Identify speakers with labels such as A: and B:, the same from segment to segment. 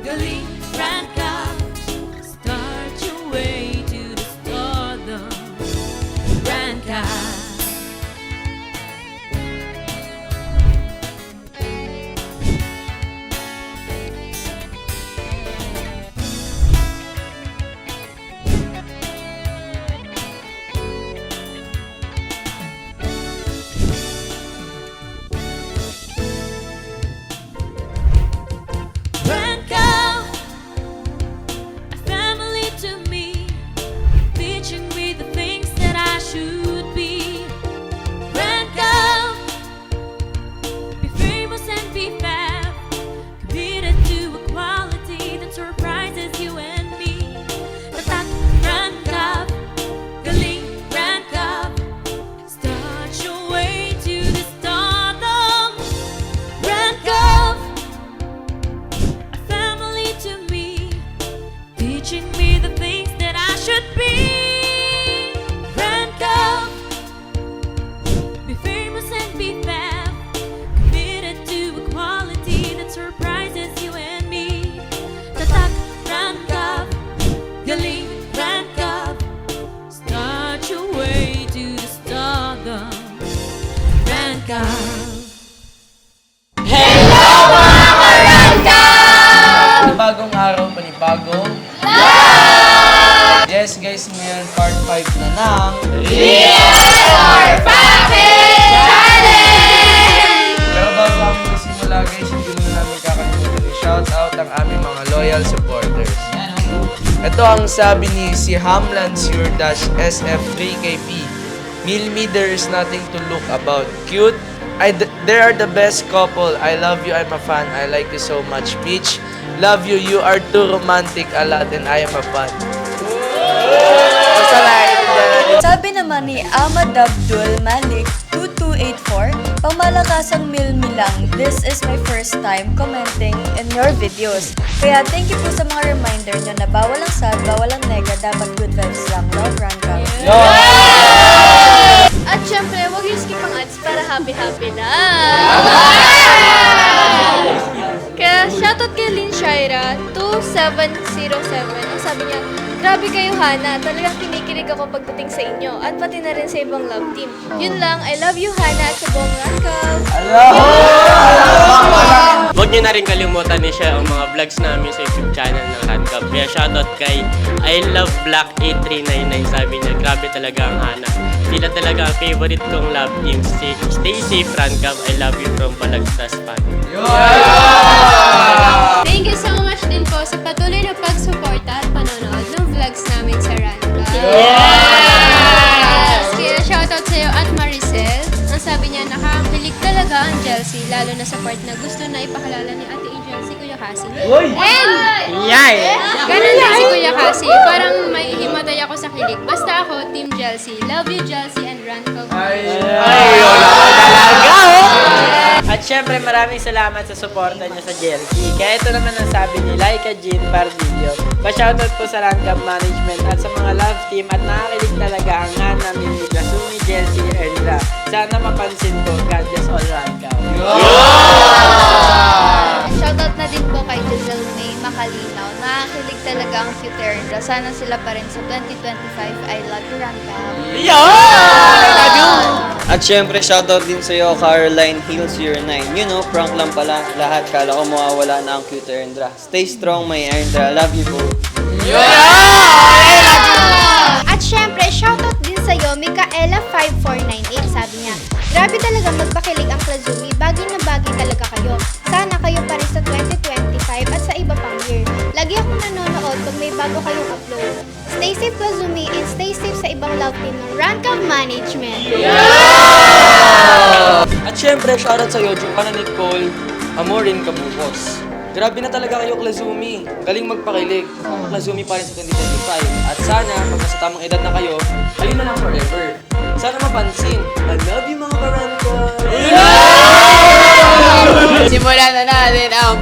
A: galing Grand Cup. Start your way to the stardom. Grand Cup. Grand Cup, a family to me, teaching me the things that I should be. Grand Cup, be famous and be fab, committed to equality that surprises you and me. Tatak Grand Cup, galing Grand Cup, start your way to the stardom. Grand Cup, a family to me, teaching me the things that I should be. Grand Cup, be famous and be fab, committed to equality that surprises you and me. Tatak Grand Cup, galing Grand Cup, start your way to the stardom. Grand Cup.
B: Panibagong araw, panibagong Yes guys, ngayon part 5 na ng Pero bago kami magsimula guys, hindi muna namin kakalimutan i-shoutout ang aming mga loyal supporters. Ito ang sabi ni si Hamlan Sir-SF3KP. Milmi, there is nothing to look about. Cute. They are the best couple. I love you, I'm a fan. I like you so much. Peach, love you. You are too romantic a lot and I am a fan. Basta like,
C: Sabi naman ni Ahmad Abdul Malik 2284, pamalakasang Milmi lang. This is my first time commenting in your videos. Kaya thank you po sa mga reminder nyo na bawal ang sad, bawal ang nega, dapat good vibes lang. Love, Ranka.
D: At syempre, huwag yung skip ang ads para happy-happy na. Kaya shoutout kay Lynn Shaira 2707. Ang sabi niya, grabe kayo Hana, talagang kinikilig ako pagdating sa inyo at pati na rin sa ibang love team. Yun lang, I love you Hana at sa buong Rankaw.
E: Huwag niyo na rin kalimutan ni siya ang mga vlogs namin sa YouTube channel ng Rancup. Kaya shoutout kay I Love Black 8399. Sabi niya, grabe talaga ang Hana. Sila talaga ang favorite kong love team. Stay safe Rancup. I love you from Balagtas fan.
D: Thank you so much din po sa patuloy na pagsuporta at panonood ng vlogs namin sa Rankaw. Kaya shoutout sa'yo at Maricel. Ang sabi niya, nakakilig talaga ang Chelsea, lalo na sa part na gusto na ipakalala ni Ate Angel si Kuya Cassie. And, ganun din si Kuya Cassie, parang may himatay ako sa kilig. Basta ako, Team Chelsea. Love you, Chelsea and Rankaw.
F: At syempre maraming salamat sa suporta niyo sa Jelky. Kaya ito naman ang sabi ni Laika Jean Pardillo. Pa-shoutout po sa Rancup Management at sa mga love team at nakakilig talaga ang Hana, Mimi, Kasumi, Jelcy, Erla. Sana mapansin po, God bless all Rancup.
D: Shoutout na din po kay Giselle May Makalinaw. Nakakilig talaga ang Futerra. Sana sila pa rin sa 2025. I love you, Rankaw.
G: At syempre, shoutout din sa'yo, Caroline Hills 09. You know, prank lang pala. Lahat kala ko mawawala na ang cute Erndra. Stay strong, my Erndra. Love you po.
D: At syempre, shoutout din sa'yo, Mikaela5498. Sabi niya, grabe talaga magpakilig ang Klazumi. Bagay na bagay talaga kayo. Sana kayo pa rin sa 2025 at sa iba pang year. Lagi akong nanonood pag may bago kayong upload. Stay safe, Klazumi, and stay safe sa ibang love team ng Rankup Management.
B: At syempre, shoutout sa'yo, Joanna Nicole Amorin Kabukos. Grabe na talaga kayo, Klazumi. Galing magpakilig. Klazumi pa rin sa 2025. At sana, pag nasa tamang edad na kayo, kayo na lang forever. Sana mapansin. I love you, mga Karanka.
F: Simulan na natin ang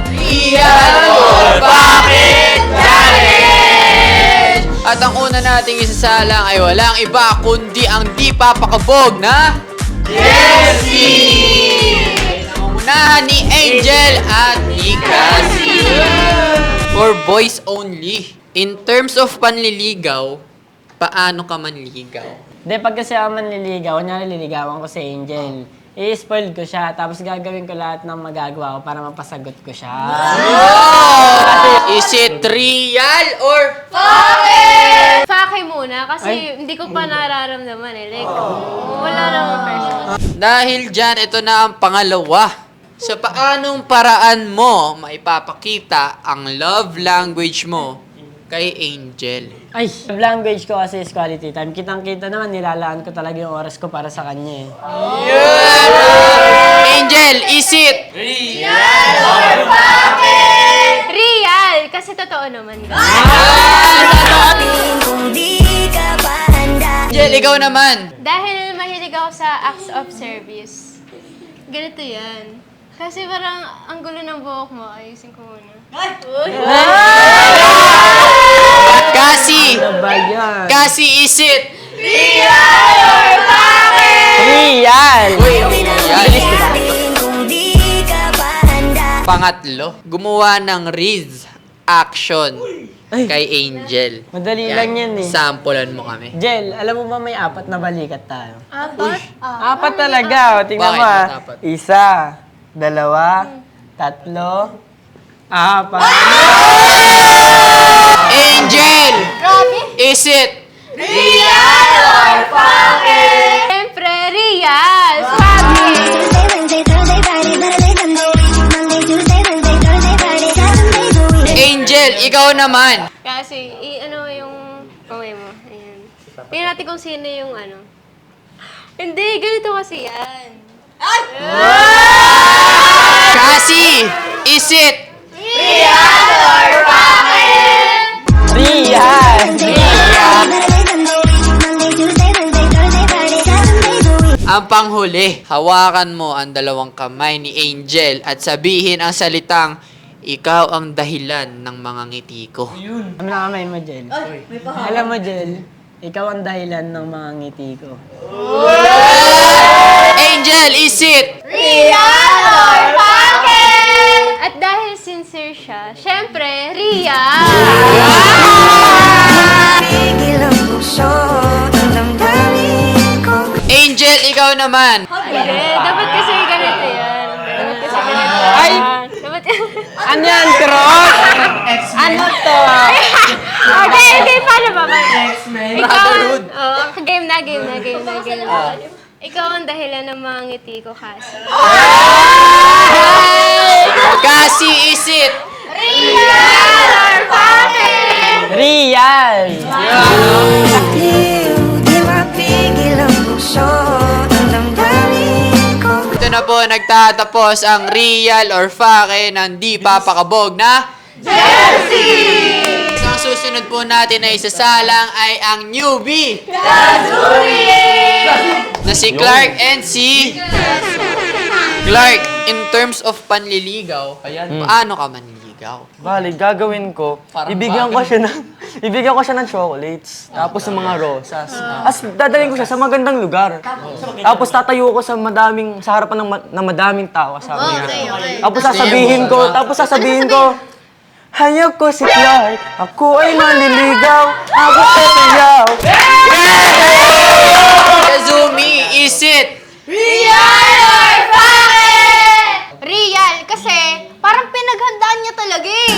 F: Bakit Challenge! At ang una nating isasalang ay walang iba kundi ang di papakabog na Jessie! Nangungunahan ni Angel at ni Cassie. For
H: boys only. In terms of panliligaw, paano ka manligaw?
F: Hindi, pag kasi ako manliligaw, kunyari liligawan ko si Angel. I-spoil ko siya, tapos gagawin ko lahat ng magagawa ko para mapasagot ko siya.
H: Is it real or
I: Fakay muna kasi hindi ko pa nararamdaman eh. Like, wala namang person.
H: dahil dyan, ito na ang pangalawa. Sa paanong paraan mo maipapakita ang love language mo kay Angel?
F: Ay, love language ko kasi is quality time. Kitang-kita naman, nilalaan ko talaga yung oras ko para sa kanya eh.
H: Angel, is it?
I: Real! Kasi totoo naman.
H: Angel, ikaw naman.
I: Dahil mahilig ako sa acts of service. Ganito yan. Kasi parang ang gulo ng buhok mo. Ayusin ko muna.
H: Kasi,
F: Ano ba yan?
H: kasi is it?
F: Real!
H: Pangatlo, gumawa ng Riz action kay Angel.
F: Madali lang yan eh.
H: Sampulan mo kami.
F: Jel, alam mo ba may 4 na balikat tayo?
I: 4?
F: 4 talaga. O, tingnan
H: Bakit?
F: mo ah.
H: Dapat.
F: 1, 2, 3, 4.
H: Angel! Is it?
I: Siyempre, real! Sabi!
H: Angel, ikaw naman.
I: Kasi, ano yung kamay mo. Ayan. Tingnan natin kung sino yung ano. Hindi, ganito kasi yan.
H: Kasi, is it?
F: Real!
H: Ang panghuli, hawakan mo ang dalawang kamay ni Angel at sabihin ang salitang, ikaw ang dahilan ng mga ngiti ko.
F: Ano na kamay mo, Jel? Alam mo, Jel, ikaw ang dahilan ng mga ngiti ko.
H: Angel, is it?
I: At dahil sincere siya, syempre, real!
H: Angel, ikaw naman.
I: Hindi, dapat kasi ganito yan. Dapat kasi ganito.
F: Ay!
I: Dapat
F: Ano yan, Cross? Ano to?
I: Okay, paano ba? Ikaw, game na. Ikaw ang dahilan ng mga ngiti ko kasi.
H: Kasi, is it?
F: Real!
H: Ito na po, nagtatapos ang real or fake ng di papakabog na Chelsea! So, ang susunod po natin na isasalang ay ang newbie na si Clark and si Clark. In terms of panliligaw, paano ka manliligaw?
J: Bali, gagawin ko,
H: Parang
J: ibigyan ko siya ng chocolates, tapos ng mga rosas. As dadalhin ko siya sa magandang lugar. Tapos tatayo ko sa harapan ng madaming tao, sabi niya. Tapos sasabihin ko, hayag ko si Clark, ako ay manliligaw, ako ay sayaw.
H: Kazumi, is it?
D: Real, kasi parang pinaghandaan niya talaga eh.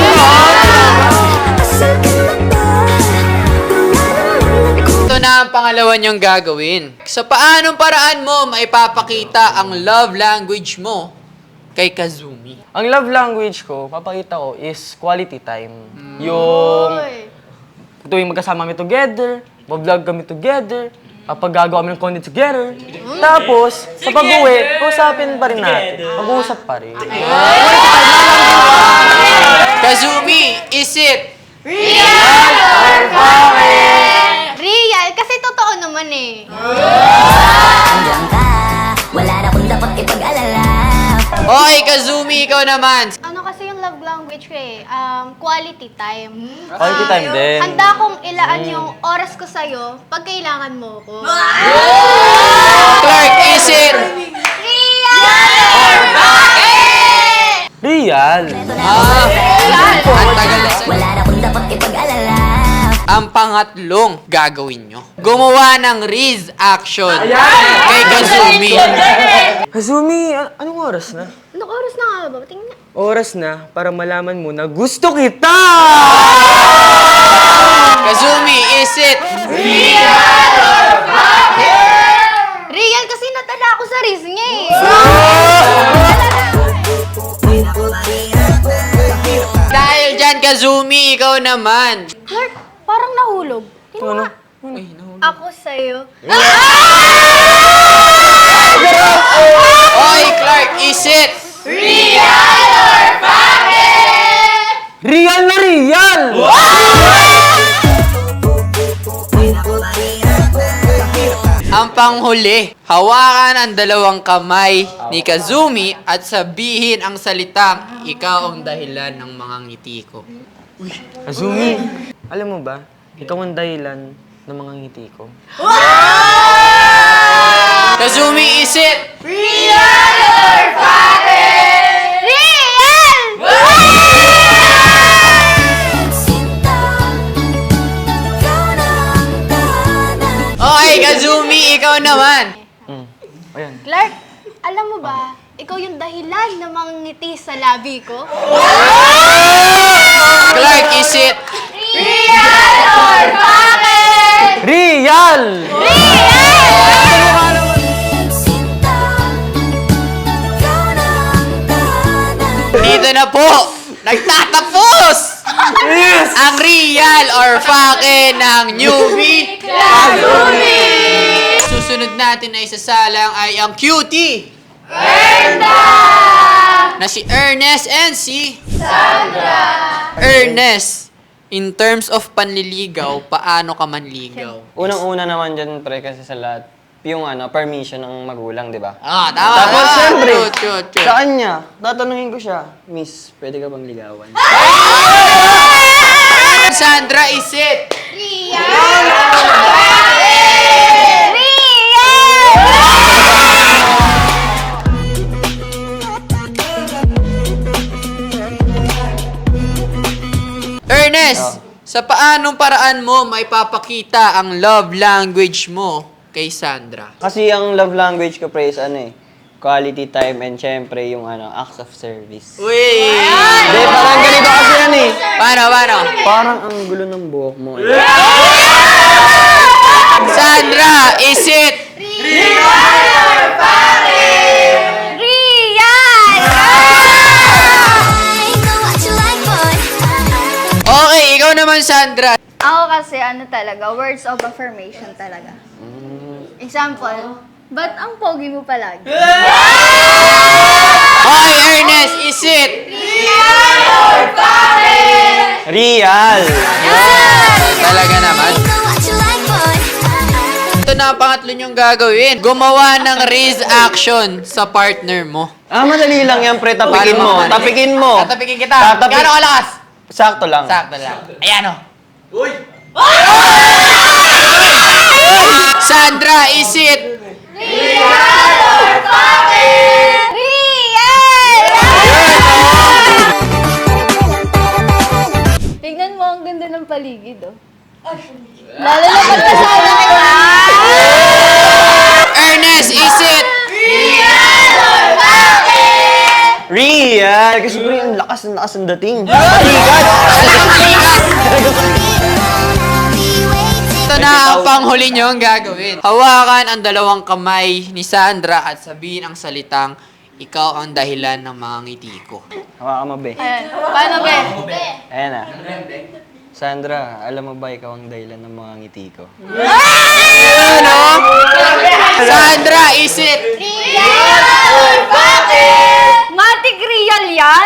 H: Ito na ang pangalawa niyong gagawin. Sa paanong paraan mo maipapakita ang love language mo kay Kazumi?
J: Ang love language ko, papakita ko, is quality time. Yung tuwing magkasama kami together, mag-vlog kami together, kapag gagawa kami ng content together. Tapos, sa pag-uwi, usapin pa rin natin. Mag-uusap pa rin.
H: Kazumi, is it?
D: Real, kasi totoo naman eh.
H: Okay, Kazumi, ikaw naman.
D: Ano kasi yung love language ko eh, quality time.
J: Quality time din.
D: Handa kong ilaan yung oras ko sa'yo pag kailangan mo ko.
H: Clark, is it?
J: Real.
H: Ang tagal na ang pangatlong gagawin nyo. Gumawa ng Riz action kay Kazumi.
J: Kazumi, anong oras na?
I: Anong oras na nga ba? Tingnan.
J: Oras na para malaman mo na gusto kita!
H: Kazumi, is it?
I: Real kasi natala ako sa riz niya eh.
H: Dahil dyan, Kazumi, ikaw naman.
I: Clark, parang nahulog.
J: Ano?
I: Ako sa'yo.
H: Oy, Clark, is it?
J: Real na real!
H: Ang panghuli, hawakan ang dalawang kamay ni Kazumi at sabihin ang salitang, ikaw ang dahilan ng mga ngiti ko.
J: Kazumi, alam mo ba, ikaw ang dahilan ng mga ngiti ko.
H: Kazumi, is it? Okay, Kazumi, ikaw naman.
J: Ayan.
I: Clark, alam mo ba, ikaw yung dahilan ng mga ngiti sa labi ko?
H: Clark, is it?
J: Real!
H: Dito na po, nagtatapos ang real or fake ng newbie Kazumi. Susunod natin na isasalang ay ang cutie na si Ernest and si Sandra. Ernest, in terms of panliligaw, paano ka manligaw?
G: Unang-una naman dyan, pre, kasi sa lahat, yung permission ng magulang, di ba?
H: Ah, tama.
G: Tapos,
H: tama.
G: syempre,
H: True.
G: sa kanya, tatanungin ko siya, Miss, pwede ka bang ligawan?
H: Sandra, is it? Ernest, sa paanong paraan mo maipapakita ang love language mo kay Sandra?
G: Kasi ang love language ko, pre, is quality time and syempre yung acts of service.
H: Uy!
G: Hindi, parang ganito kasi yan eh.
H: Paano?
G: Parang ang gulo ng buhok mo eh.
H: Sandra, is it? Okay, ikaw naman, Sandra.
K: Ako kasi talaga, words of affirmation talaga. Example, ba't ang pogi mo palagi?
H: Okay, Ernest, is it?
G: Real!
H: Talaga naman. Ito na ang pangatlo niyong gagawin. Gumawa ng raise action sa partner mo.
G: Madali lang yan, pre. Tapikin mo.
H: Paano?
G: Tapikin mo.
H: Tatapikin kita. Gano'ng kalakas?
G: Sakto lang.
H: Sakto lang. Ayan o. Sandra, is it?
K: Tignan mo, ang ganda ng paligid, oh. Lalo na pag kasama kita.
H: Ernest, is it?
G: Real! Kasi pre, ang lakas ang dating.
H: Ito na ang panghuli nyo ang gagawin. Hawakan ang dalawang kamay ni Sandra at sabihin ang salitang, ikaw ang dahilan ng mga ngiti ko.
G: Hawakan mo, be.
K: Ayan. Paano, be?
G: Ayan na. Sandra, alam mo ba ikaw ang dahilan ng mga ngiti ko?
H: Ano? Sandra, is it?
K: Matik real yan?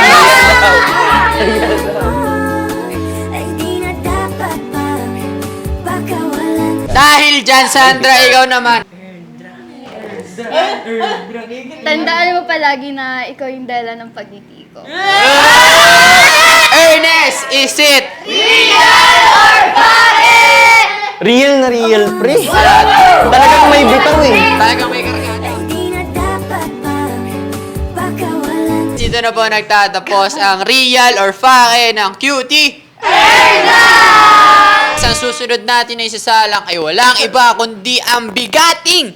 H: Dahil dyan, Sandra, ikaw naman.
K: Tandaan mo palagi na ikaw yung dahilan ng pagngiti ko.
H: Ernest, is it?
G: Real na real, pre. Talagang may bitaw eh.
H: Talagang may karga. Dito na po nagtatapos ang real or fake ng cutie. Ang susunod natin na isasalang ay walang iba kundi ang bigating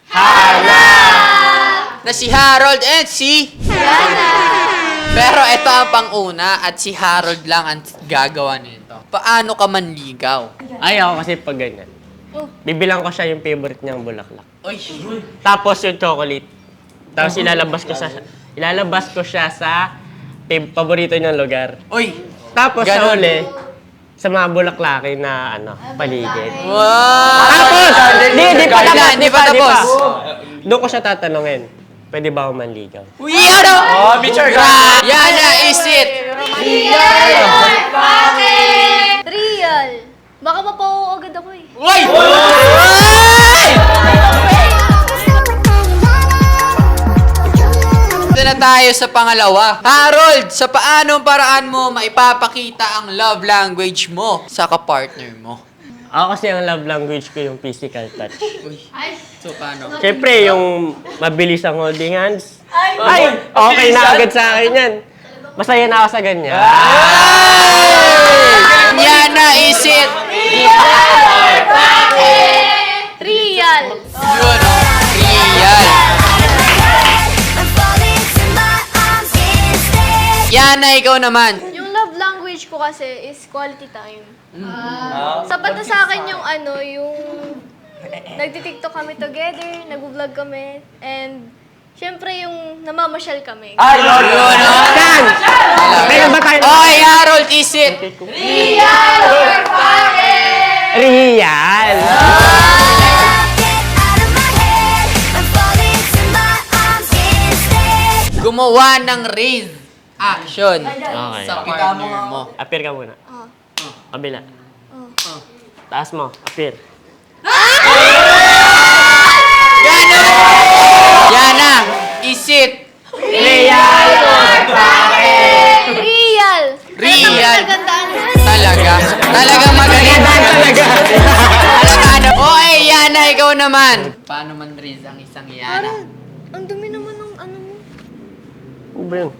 H: na si Harold and si Pero ito ang pang-una at si Harold lang ang gagawa nito. Paano ka manligaw?
E: Ay, ako kasi pag ganyan. Bibilang ko siya yung favorite niyang bulaklak.
H: Uy,
E: Tapos yung chocolate. Tapos ilalabas ko siya sa paborito niyang lugar.
H: uy.
E: Tapos sa
H: Ganon.
E: uli, sa mga bulaklakin na paligid.
H: Wow!
E: Tapos! Di pa tapos.
H: tapos.
E: Doon ko siya tatanungin, pwede ba ako manligaw?
H: Uy, ano? Oh, Mitchell. Yana, is it?
K: Real. Baka mapauo agad ako eh.
H: Uy! Ito na tayo sa pangalawa. Harold, sa paanong paraan mo maipapakita ang love language mo sa kapartner mo?
E: Ako kasi ang love language ko yung physical touch.
H: So, paano?
E: Siyempre, yung mabilis ang holding hands. Ay, okay na agad sa akin yan. Masaya na ako sa ganyan.
H: Yana, is it?
K: Real.
H: Yun, oh. Real. Yana, ikaw naman.
I: Yung love language ko kasi is quality time. Sapat na sa akin yung yung nagtitiktok kami together, nag-vlog kami, and syempre yung namamasyal kami.
J: Ay, Lord!
H: Yun, oh.
E: Meron ba tayo?
H: Okay, Harold, is it?
E: Real!
H: Gumawa ng raise action
E: Okay.
H: sa partner mo.
E: Appear ka muna. Kabila. Taas mo. Appear.
H: Yana, is it?
I: Real!
H: Real. Talaga. Talagang magaling. Talaga. Ano? Okay, Yana, ikaw naman. Paano man raise ang isang Yana?
I: Ang dumi naman ng mo.
E: Ano ba yun?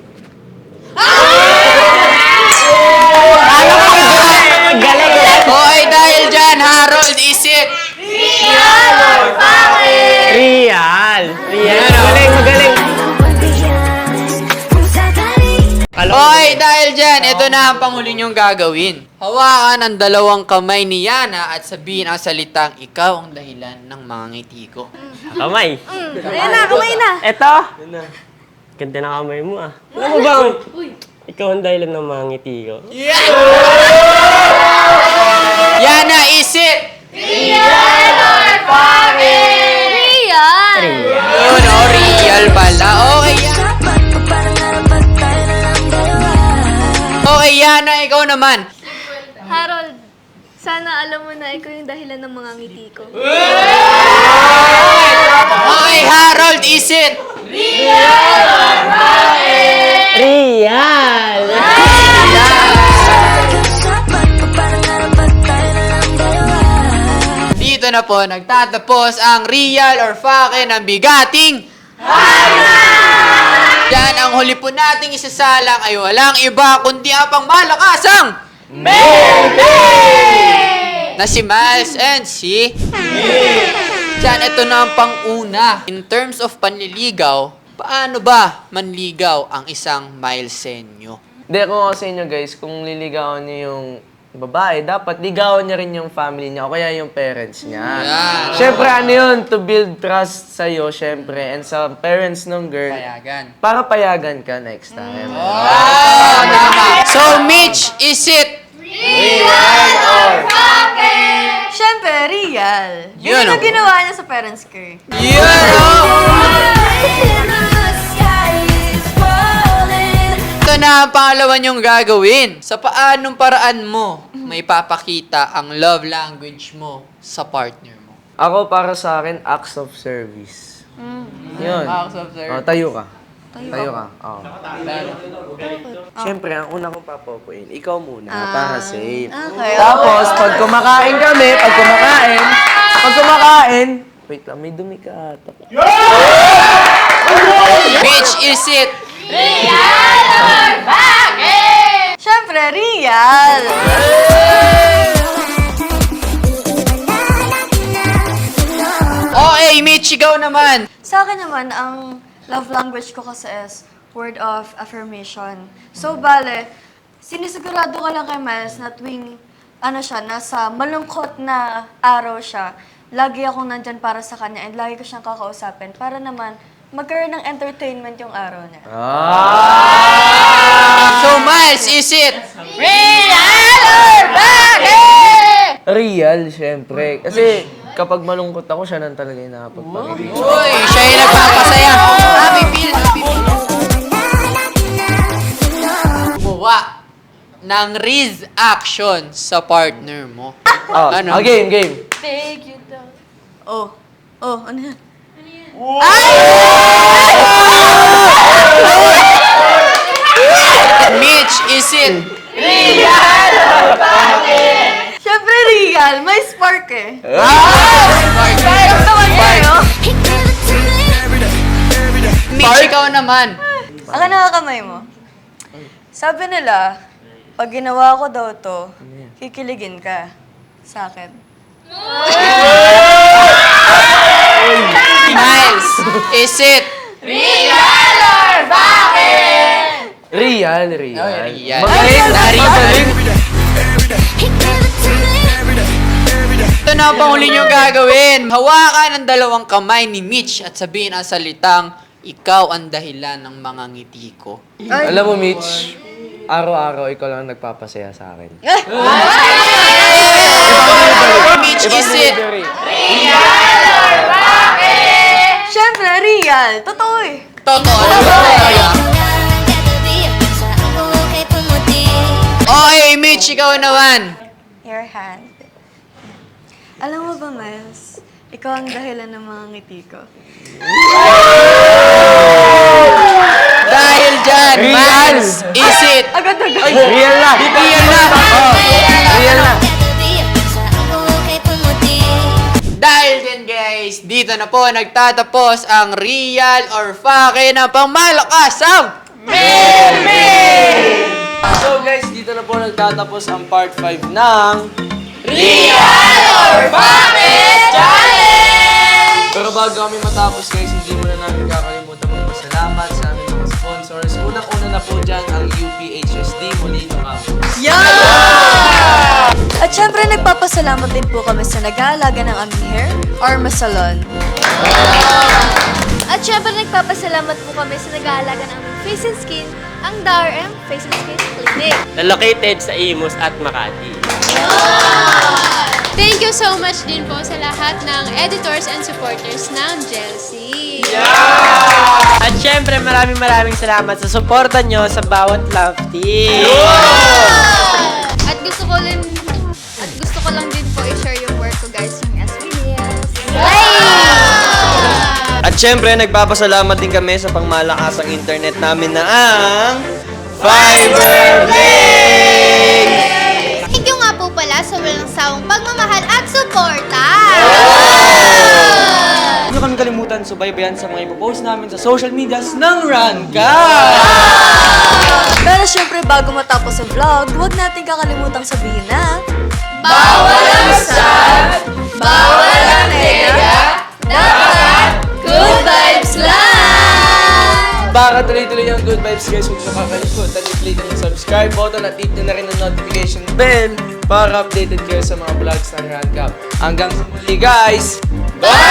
H: Okay, dahil dyan, Harold, is it?
E: Real! Magaling, magaling.
H: Okay, dahil dyan, ito na ang panghuli niyong gagawin. Hawakan ang dalawang kamay ni Yana at sabihin ang salitang ikaw ang dahilan ng mga ngiti ko.
E: Kamay.
C: Ayan na, kamay na.
E: Eto. Ganda na kamay mo ah. Alam mo bang, ikaw ang dahilan ng mga ngiti ko.
H: Yana, is it?
I: Real!
H: Yun, oh, real pala. Okay, Yana. Okay, Yana, ikaw naman.
I: Harold, sana alam mo na ikaw yung dahilan ng mga ngiti ko.
H: Okay, Harold, is it?
E: Real!
H: Dito na po nagtatapos ang real or fake ng bigating Yan, ang huli po nating isasalang ay walang iba kundi ang pangmalakasang na si Miles and si Yan, ito na ang pang-una. In terms of panliligaw, paano ba manligaw ang isang Milesenyo?
B: Hindi, kung ako sa inyo guys, kung liligawan niyo yung babae, dapat ligawan niya rin yung family niya o kaya yung parents niya.
H: Yan.
B: Siyempre, ano yun? To build trust sa'yo, siyempre, and sa parents ng girl.
H: Payagan.
B: Para payagan ka next time.
H: Oh, tama. So, Mitch, is it?
C: Siyempre, real.
H: Yun,
C: Yun ang
H: oh.
C: ginawa niya sa parents ko.
H: Yun, oh! Ito na ang pangalawa niyong gagawin. Sa paanong paraan mo may papakita ang love language mo sa partner mo?
B: Ako, para sa akin, acts of service. Yun.
H: Acts of service.
B: Oh, tayo ka. Tayo ka. Oh. Siyempre, ang una kong papopuin, ikaw muna, para safe.
C: Okay.
B: Tapos, pag kumakain kami, wait lang, may dumi ka ata.
H: Bitch, is it?
C: Siyempre, real.
H: Okay, Mitch, ikaw naman.
C: Sa akin naman, ang love language ko kasi is word of affirmation. So, bale, sinisigurado ko lang kay Miles na tuwing, nasa malungkot na araw siya, lagi akong nandyan para sa kanya and lagi ko siyang kakausapin para naman magkaroon ng entertainment yung araw niya.
H: So, Miles, is it?
B: Real, syempre. Kasi kapag malungkot ako, siya nang talaga yung nakapagpangiti.
H: Uy, siya yung nagpapasaya. Happy feel, happy feel. Gumawa ng Riz action sa partner mo. Ano?
B: Game.
I: Take you down.
C: Ano yan?
H: Mitch, is it?
C: Siyempre, real. May spark eh.
H: Mitch, ikaw naman.
C: Ang nakakamay mo. Sabi nila, pag ginawa ko daw to, kikiligin ka sa akin.
H: Miles, is it?
B: Real.
H: Real.
B: Magaling.
H: Ito na ang panghuli nyo gagawin. Hawakan ang dalawang kamay ni Mitch at sabihin ang salitang, ikaw ang dahilan ng mga ngiti ko.
B: Alam mo, Mitch, araw-araw ikaw lang nagpapasaya sa akin.
H: Mitch, is it?
C: Siyempre, real. Totoo eh.
H: Totoo. Okay, Mitch, ikaw naman.
C: Your hand. Alam mo ba, Miles? Ikaw ang dahilan ng mga ngiti ko.
H: Dahil dyan, Miles, is it?
C: Agad-agad.
B: Real na.
H: Real na.
B: Real na.
H: Dahil din guys, dito na po nagtatapos ang real or fake na pangmalakasang
B: So guys, dito na po nagtatapos ang part 5 ng
H: Real or Fake Challenge!
B: Pero bago kami matapos guys, hindi muna namin kakalimutan magpasalamat sa aming mga sponsors. Unang-una na po dyan ang UPHSD Molino Campus.
C: At syempre, nagpapasalamat din po kami sa nag-aalaga ng aming hair, Arma Salon.
I: At syempre, nagpapasalamat po kami sa nag-aalaga ng aming face and skin, ang DRM Face and Skin Clinic.
E: Na located sa Imus at Makati.
L: Thank you so much din po sa lahat ng editors and supporters ng Jelsie.
F: At syempre, maraming salamat sa suporta nyo sa bawat love team.
K: At gusto ko lang din po i-share yung work ko, guys, yung SBDS.
G: At syempre, nagpapasalamat din kami sa pangmalakasang internet namin na ang Fiberblade!
D: Thank you nga po pala sa walang sawang pagmamahal at suporta!
J: Huwag niyo kami kalimutan subaybayan sa mga ipopost namin sa social medias ng Ranka!
C: Pero syempre, bago matapos ang vlog, huwag natin kakalimutang sabihin na
L: Bawal ang sad, bawal ang nega, dapat good vibes lang!
B: Para tuloy-tuloy ang good vibes guys, huwag nakakalimutan i-click ang subscribe button at hit nyo na rin ang notification bell para updated kayo sa mga vlogs ng Run Cup. Hanggang sa muli guys!
L: Bye!